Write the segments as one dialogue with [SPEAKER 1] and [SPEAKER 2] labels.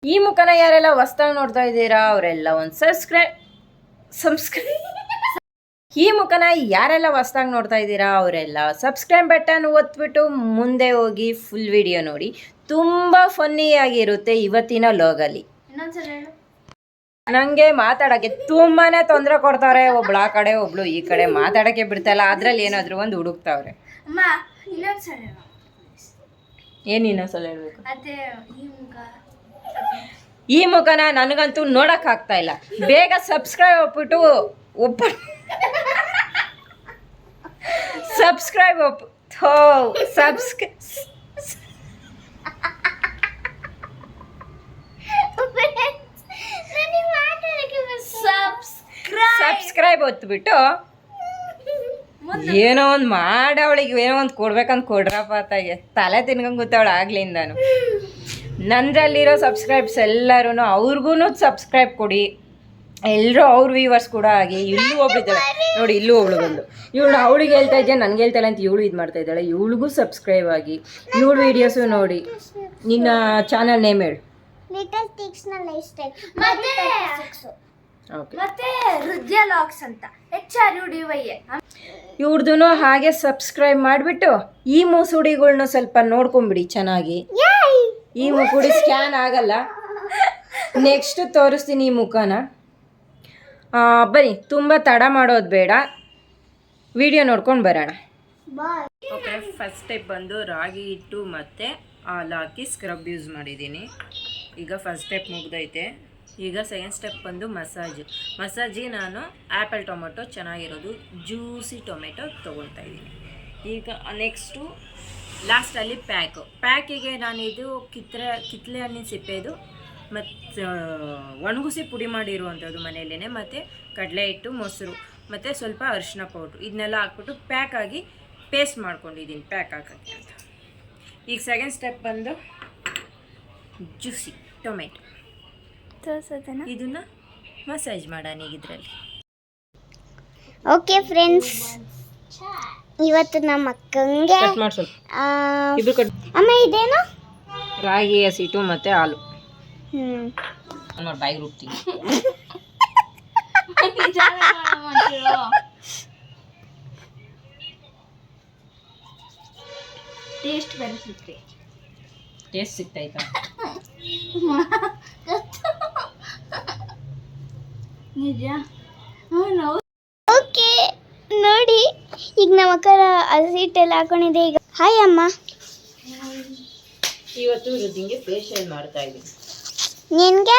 [SPEAKER 1] ಈ ಮುಖನ ಯಾರೆಲ್ಲ ಹೊಸ್ದಾಗಿ ನೋಡ್ತಾ ಇದ್ದೀರಾ ಅವರೆಲ್ಲ ಒಂದು ಸಬ್ಸ್ಕ್ರೈಬ್ ಈ ಮುಖನ ಯಾರೆಲ್ಲ ಹೊಸ್ದಾಗಿ ನೋಡ್ತಾ ಇದ್ದೀರಾ ಅವರೆಲ್ಲ ಸಬ್ಸ್ಕ್ರೈಬ್ ಬಟನ್ ಒತ್ಬಿಟ್ಟು ಮುಂದೆ ಹೋಗಿ ಫುಲ್ ವಿಡಿಯೋ ನೋಡಿ. ತುಂಬ ಫನ್ನಿಯಾಗಿರುತ್ತೆ ಇವತ್ತಿನ ಲೋಗಲ್ಲಿ. ನನಗೆ ಮಾತಾಡೋಕ್ಕೆ ತುಂಬಾ ತೊಂದರೆ ಕೊಡ್ತಾರೆ. ಒಬ್ಳು ಆ ಕಡೆ ಒಬ್ಳು ಈ ಕಡೆ ಮಾತಾಡೋಕ್ಕೆ ಬಿಡ್ತಾಯಿಲ್ಲ. ಅದರಲ್ಲಿ ಏನಾದರೂ ಒಂದು ಹುಡುಕ್ತಾವ್ರೆ. ಏನು ಇನ್ನೊಂದ್ಸಲ ಹೇಳ್ಬೇಕು? ಈ ಮುಖನ ನನಗಂತೂ ನೋಡೋಕ್ಕಾಗ್ತಾ ಇಲ್ಲ. ಬೇಗ ಸಬ್ಸ್ಕ್ರೈಬ್ ಒಪ್ಪಿಟ್ಟು ಸಬ್ಸ್ಕ್ರೈಬ್ ಸಬ್ಸ್ಕ್ರೈಬ್ ಒತ್ಬಿಟ್ಟು ಏನೋ ಒಂದು ಮಾಡವಳಿಗೆ ಏನೋ ಒಂದು ಕೊಡ್ಬೇಕಂತ ಕೊಡ್ರಪ್ಪ ತಾಯಿಗೆ ತಲೆ ತಿನ್ಕೊಂಡ್ ಕೂತವಳು ಆಗ್ಲಿಂದಾನು. ನಂದ್ರಲ್ಲಿರೋ ಸಬ್ಸ್ಕ್ರೈಬ್ಸ್ ಎಲ್ಲರೂ ಅವ್ರಿಗೂ ಸಬ್ಸ್ಕ್ರೈಬ್ ಕೊಡಿ. ಎಲ್ಲರೂ ಅವ್ರ ವ್ಯೂವರ್ಸ್ ಕೂಡ ಆಗಿ. ಇಲ್ಲೂ ಒಬ್ಳಿದ್ದಾಳೆ ನೋಡಿ, ಇಲ್ಲೂ ಒಬ್ಳು ಬಂದು ಇವಳು ಅವಳಿಗೆ ಹೇಳ್ತಾ ಇದ್ದೆ ನನಗೆ ಹೇಳ್ತಾಳೆ ಅಂತ ಇವಳು ಇದು ಮಾಡ್ತಾ ಇದ್ದಾಳೆ. ಇವಳಿಗೂ ಸಬ್ಸ್ಕ್ರೈಬ್ ಆಗಿ ಇವಳು ವೀಡಿಯೋಸು ನೋಡಿ. ನಿನ್ನ ಚಾನಲ್ ನೇಮ್ ಹೇಳು.
[SPEAKER 2] ಮತ್ತೆ ಹೃದಯ ಲಾಕ್ಸ್ ಅಂತ HRUDY.
[SPEAKER 1] ಇವ್ರದ್ದು ಹಾಗೆ ಸಬ್ಸ್ಕ್ರೈಬ್ ಮಾಡಿಬಿಟ್ಟು ಈ ಮೂಸುಡಿಗಳ್ನ ಸ್ವಲ್ಪ ನೋಡ್ಕೊಂಬಿಡಿ ಚೆನ್ನಾಗಿ. ಈ ಮುಖುಡಿ ಸ್ಕ್ಯಾನ್ ಆಗಲ್ಲ. ನೆಕ್ಸ್ಟ್ ತೋರಿಸ್ತೀನಿ ಈ ಮುಖನ. ಬನ್ನಿ, ತುಂಬ ತಡ ಮಾಡೋದು ಬೇಡ, ವಿಡಿಯೋ ನೋಡ್ಕೊಂಡು ಬರೋಣ. ಓಕೆ, ಫಸ್ಟ್ ಸ್ಟೆಪ್ ಬಂದು ರಾಗಿ ಹಿಟ್ಟು ಮತ್ತು ಹಾಲು ಹಾಕಿ ಸ್ಕ್ರಬ್ ಯೂಸ್ ಮಾಡಿದ್ದೀನಿ. ಈಗ ಫಸ್ಟ್ ಸ್ಟೆಪ್ ಮುಗ್ದೈತೆ. ಈಗ ಸೆಕೆಂಡ್ ಸ್ಟೆಪ್ ಬಂದು ಮಸಾಜಿಗೆ ನಾನು ಆ್ಯಪಲ್ ಟೊಮೆಟೊ ಚೆನ್ನಾಗಿರೋದು ಜ್ಯೂಸಿ ಟೊಮೆಟೊ ತೊಗೊಳ್ತಾ ಇದ್ದೀನಿ. ಈಗ ನೆಕ್ಸ್ಟು ಲಾಸ್ಟಲ್ಲಿ ಪ್ಯಾಕಿಗೆ ನಾನಿದು ಕಿತ್ತಳೆ ಹಣ್ಣಿನ ಸಿಪ್ಪೆದು ಮತ್ತು ಒಣಗಿಸಿ ಪುಡಿ ಮಾಡಿರುವಂಥದ್ದು ಮನೆಯಲ್ಲೇ, ಮತ್ತು ಕಡಲೆ ಹಿಟ್ಟು, ಮೊಸರು ಮತ್ತು ಸ್ವಲ್ಪ ಅರಿಶಿನ ಪೌಡ್ರು ಇದನ್ನೆಲ್ಲ ಹಾಕ್ಬಿಟ್ಟು ಪ್ಯಾಕ್ ಆಗಿ ಪೇಸ್ಟ್ ಮಾಡ್ಕೊಂಡಿದ್ದೀನಿ ಪ್ಯಾಕ್ ಹಾಕೋಕ್ಕೆ ಅಂತ. ಈಗ ಸೆಕೆಂಡ್ ಸ್ಟೆಪ್ ಬಂದು ಜ್ಯೂಸಿ ಟೊಮೆಟೊ ಇದನ್ನ ಮಸಾಜ್ ಮಾಡೋಣ ಈಗ ಇದರಲ್ಲಿ.
[SPEAKER 2] ಓಕೆ ಫ್ರೆಂಡ್ಸ್, ಇವತ್ತು ನಮ್ಮ ಅಕ್ಕಂಗೆ ಅಮ್ಮ ಇದೇನು
[SPEAKER 1] ರಾಗಿ ಹಸಿಟ್ಟು ಮತ್ತು ಹಾಲು ನೋಡಿ ಬಾಯಿಗೆ ರುಬ್ತೀನಿ. ಟೇಸ್ಟ್ ಸಿಗ್ತೈತಾ?
[SPEAKER 2] ಓಕೆ ನೋಡಿ, ಈಗ ನಮ್ಮ ಅಕ್ಕರ ಹಸಿಟ್ಟೆಲ್ಲ ಹಾಕೊಂಡಿದೆ. ಈಗ ಹಾಯ್ ಅಮ್ಮ.
[SPEAKER 1] ಇವತ್ತು ರುದ್ದಿಂಗೆ ಫೇಶಿಯಲ್ ಮಾಡ್ತಾ ಇದ್ದೀನಿ.
[SPEAKER 2] ನಿನ್ಗೆ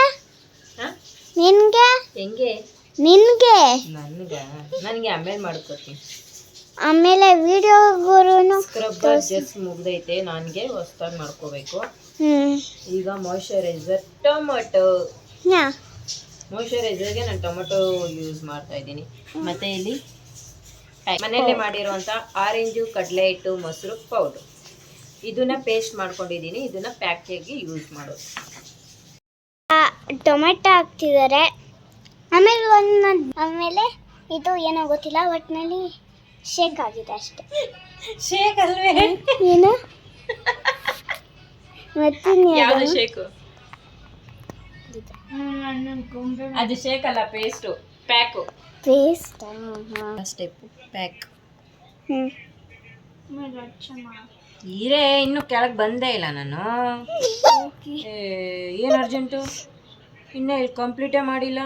[SPEAKER 1] ಹೆಂಗೆ?
[SPEAKER 2] ನಿನ್ಗೆ
[SPEAKER 1] ನನಗೆ ಆಮೇಲೆ ಮಾಡ್ಕೊತೀನಿ.
[SPEAKER 2] ಆಮೇಲೆ ವಿಡಿಯೋಗೂ
[SPEAKER 1] ಸ್ಕ್ರಬ್ಬರ್ ಜಸ್ಟ್ ಮುಗ್ದೈತೆ. ನನಗೆ ಹೊಸ್ದಾಗಿ ಮಾಡ್ಕೋಬೇಕು. ಈಗ ಮಾಯ್ಶ್ಚರೈಸರ್ ಮಾಯ್ಶ್ಚರೈಸರ್ಗೆ ನಾನು ಟೊಮೆಟೊ ಯೂಸ್ ಮಾಡ್ತಾ ಇದ್ದೀನಿ. ಮತ್ತು ಇಲ್ಲಿ ಮನೆಯಲ್ಲೇ ಮಾಡಿರುವಂಥ ಆರೆಂಜು, ಕಡಲೆ ಹಿಟ್ಟು, ಮೊಸರು ಪೌಡ್ರು ಇದನ್ನು ಪೇಸ್ಟ್ ಮಾಡ್ಕೊಂಡಿದ್ದೀನಿ. ಇದನ್ನು ಪ್ಯಾಕಿಗೆ ಯೂಸ್ ಮಾಡೋದು.
[SPEAKER 2] ಟೊಮೆಟೊ ಹಾಕ್ತಿದ್ದಾರೆ. ಆಮೇಲೆ ಇದು ಏನೋ ಗೊತ್ತಿಲ್ಲ, ಒಟ್ಟಿನಲ್ಲಿ ಶೇಕ್ ಆಗಿದೆ ಅಷ್ಟೇ.
[SPEAKER 1] ಶೇಕ್ ಅಲ್ವೇ?
[SPEAKER 2] ಏನು ಮತ್ತೆ
[SPEAKER 1] ಯಾವುದು ಶೇಕು? ಅದು ಶೇಕ್ ಅಲ್ಲ, ಪೇಸ್ಟು. Paste step pack. ಹೀರೆ ಇನ್ನು ಕೆಳಗೆ ಬಂದೇ ಇಲ್ಲ ನಾನು. ಏನು ಅರ್ಜೆಂಟು? ಇನ್ನೂ ಇಲ್ಲಿ ಕಂಪ್ಲೀಟೇ ಮಾಡಿಲ್ಲ.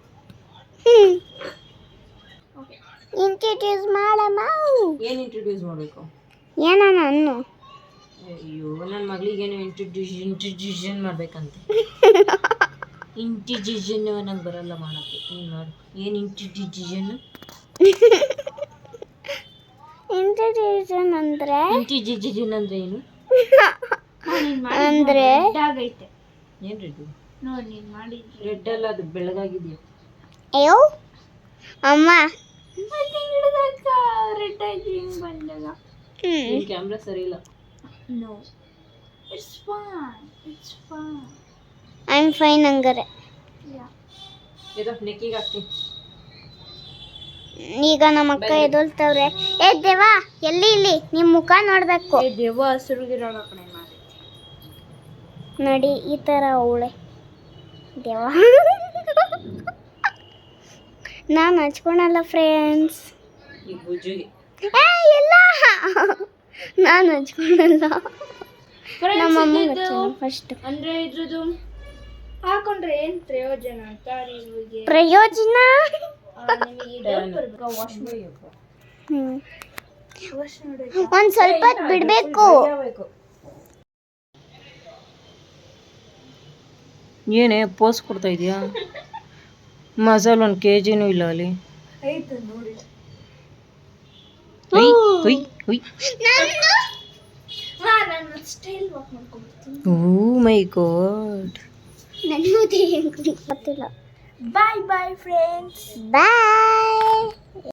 [SPEAKER 2] ಇಂಟ್ರೊಡ್ಯೂಸ್ ಮಾಡಮ್ಮ.
[SPEAKER 1] ಏನು ಇಂಟ್ರೊಡ್ಯೂಸ್ ಮಾಡಬೇಕು?
[SPEAKER 2] ಏನೋ ನಾನು
[SPEAKER 1] ಅಯ್ಯೋ, ನನ್ನ ಮಗಳಿಗೇನು ಇಂಟ್ರೊಡ್ಯೂಷನ್ ಮಾಡ್ಬೇಕಂತೆ. ಇಂಟಿಜಿಷನ್ ನಂಗೆ ಬರಲ್ಲ ಮಾಡೋಕ್ಕೆ. ನೀನು ಮಾಡು. ಏನು ಇಂಟಿಜಿಷನ್
[SPEAKER 2] ಅಂದ್ರೆ
[SPEAKER 1] ಇಂಟಿಜಿಷನ್ ಅಂದರೆ ಏನು?
[SPEAKER 2] ಅಂದ್ರೆ
[SPEAKER 1] ಏನು ರೆಡ್ ಅಲ್ಲ, ಅದು ಬೆಳಗಾಗಿದೆಯಾ?
[SPEAKER 2] ಅಯ್ಯೋ ಅಮ್ಮ,
[SPEAKER 1] ಕ್ಯಾಮ್ರಾ ಸರಿ ಇಲ್ಲ.
[SPEAKER 2] ಐ ಆಮ್ ಫೈನ್ ಹಂಗಾರೆ.
[SPEAKER 1] ಇದು ನೆಕ್ಕಿಗೆ ಹಾಕ್ತೀನಿ.
[SPEAKER 2] ಈಗ ನಮ್ಮ ಅಕ್ಕ ಎದೊಳ್ತವ್ರೆ. ಏ ದೇವಾ, ಇಲ್ಲಿ ನಿಮ್ಮ ಮುಖ ನೋಡ್ಬೇಕು.
[SPEAKER 1] ದೇವ ಹಸಿರುಗಿರೋಣ ಕಣೆ
[SPEAKER 2] ನೋಡಿ, ಈ ತರ ಅವಳೆ. ದೇವ ನಾನು ಹಚ್ಕೊಳಲ್ಲ ಫ್ರೆಂಡ್ಸ್.
[SPEAKER 1] ಈ ಬುಜ್ಜಿಗೆ
[SPEAKER 2] ಇಲ್ಲ ನಾನು ಹಚ್ಕೊಳಲ್ಲ. ನಮ್ಮಮ್ಮ ಫಸ್ಟ್
[SPEAKER 3] ಅಂದ್ರೆ ಇದ್ರದ್ದು ಹಾಕೊಂಡ್ರೆ ಏನ್ ಪ್ರಯೋಜನ ಅಂತ ನಿಮಗೆ
[SPEAKER 2] ಪ್ರಯೋಜನ ಒಂದ್ ಸ್ವಲ್ಪ ಹೊತ್ತು ಬಿಡ್ಬೇಕು.
[SPEAKER 1] ಏನೇ ಪೋಸ್ ಕೊಡ್ತಾ ಇದೀಯಾ? ಮಸಾಲ 1 kg ಇಲ್ಲ ಅಲ್ಲಿ. ಹುಯ್ ಹುಯ್ ಹುಯ್.
[SPEAKER 3] ನಾನು ಸ್ಟೈಲ್ ವಾಕ್ ಮಾಡ್ಕೊಂಡ್ಬಿಡ್ತೀನಿ.
[SPEAKER 1] Oh my god.
[SPEAKER 2] ನನಗೂ ಗೊತ್ತಿಲ್ಲ.
[SPEAKER 3] Bye bye friends.
[SPEAKER 2] ಬಾಯ್.